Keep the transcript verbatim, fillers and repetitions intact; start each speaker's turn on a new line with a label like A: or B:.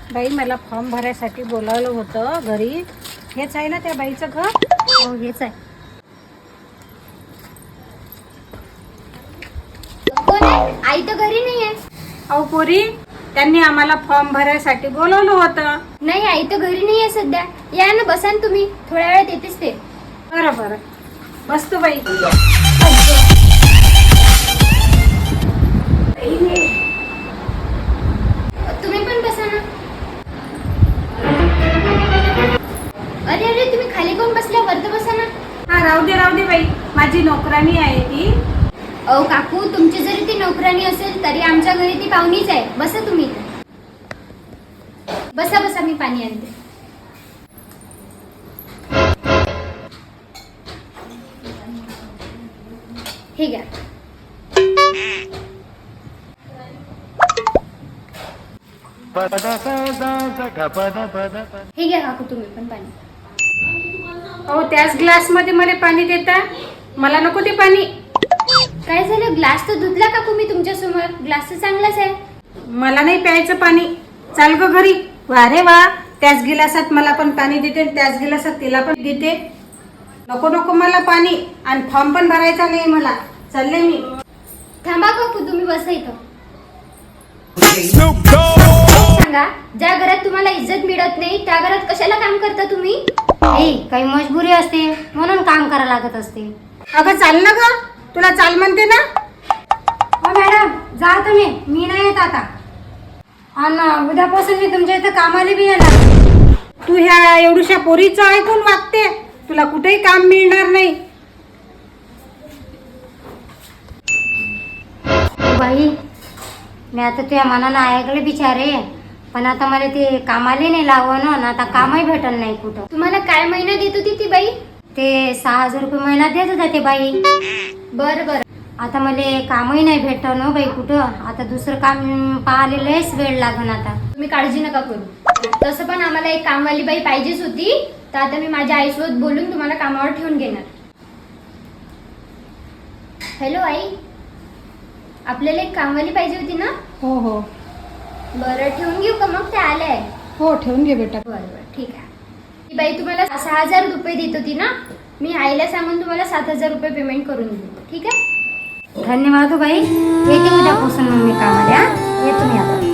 A: बाई मला फॉर्म भरायसाठी बोलावलं होतं घरी. हेच आहे ना त्या बाईचं घर?
B: हो हेच आहे. कोण आहे? आई तर घरी नाही आहे.
A: अहो पोरी, त्यांनी आम्हाला फॉर्म भरायसाठी बोलावलं होतं.
B: नाही आई तर घरी नाही आहे सध्या. या ना बसा ना तुम्ही, थोड्या वेळात येतेच ते.
A: बरं बरं बसतो बाई.
B: तुम्ही पण बसा ना. अरे अरे तुम्ही खाली कोण बसल्या, वरती बसा ना.
A: हा राहू दे राहू दे बाई, माझी नोकरानी आहे ती.
B: अहो काकू, तुमची जरी ती नोकरानी असेल तरी आमच्या घरी ती पाहुणीच आहे. बसा तुम्ही. बसा बसा, मी पाणी आणते. हे घ्या. हे घ्या काकू, तुम्ही पण पाणी.
A: अहो त्याच ग्लास मध्ये मला पाणी देता, मला नको ते पाणी.
B: काय झालं? ग्लास तर धुतला काकू मी तुमच्या समोर. ग्लास तर चांगलाच आहे.
A: मला नाही प्यायचं पाणी. चाल ग घरी. वा रे वा, त्याच गिलासात मला पण पाणी देते, त्याच गिलासात तिला पण देते. नको नको मला पाणी, आणि फॉर्म पण भरायचा नाही मला. चालले मी.
B: थांबा काकू, तुम्ही बसा इथं. सांगा, ज्या घरात तुम्हाला इज्जत मिळत नाही त्या घरात कशाला काम करता तुम्ही?
C: आई, काही मजबुरी असते म्हणून काम करायला लागत असते.
A: अगं चाल ना ग, तुला चाल म्हणते ना.
C: हो मॅडम, जा तुम्ही, मी नाही येत आता. आणि उद्यापासून मी तुमच्या इथं कामाला बी येणार.
A: तू ह्या एवढ्याशा पोरीचं ऐकून वागते, तुला कुठेही काम मिळणार नाही.
C: बाई, मी आता तुझ्या मनानं ऐकले बिचारे, पण आता मला ते कामाला नाही लावं ना, आता कामही भेटल नाही कुठं.
B: तुम्हाला काय महिना देत होती ती बाई?
C: ते सहा हजार रुपये महिना देत होता ते बाई.
B: बर बर.
C: आता मला कामही नाही भेटत ना बाई कुठं. आता दुसरं काम पाहायला लयच वेळ लागन आता.
B: तुम्ही काळजी नका करू. तसं पण आम्हाला एक कामवाली बाई पाहिजेच होती, तर आता मी माझ्या आईसोबत बोलून तुम्हाला कामावर ठेवून घेणार. हॅलो आई, आपल्याला एक कामवाली पाहिजे होती ना?
A: हो हो
B: बरं, ठेवून घेऊ का मग? ते आले आहे.
A: हो, ठेवून घे बेटा.
B: बरं बरं, ठीक आहे. ती बाई तुम्हाला सहा हजार रुपये देत होती ना, मी आईला सांगून तुम्हाला सात हजार रुपये पेमेंट करून देतो. ठीक आहे?
C: धन्यवाद बाई. येते उद्यापासून मग मी कामाला. येतो मी आता.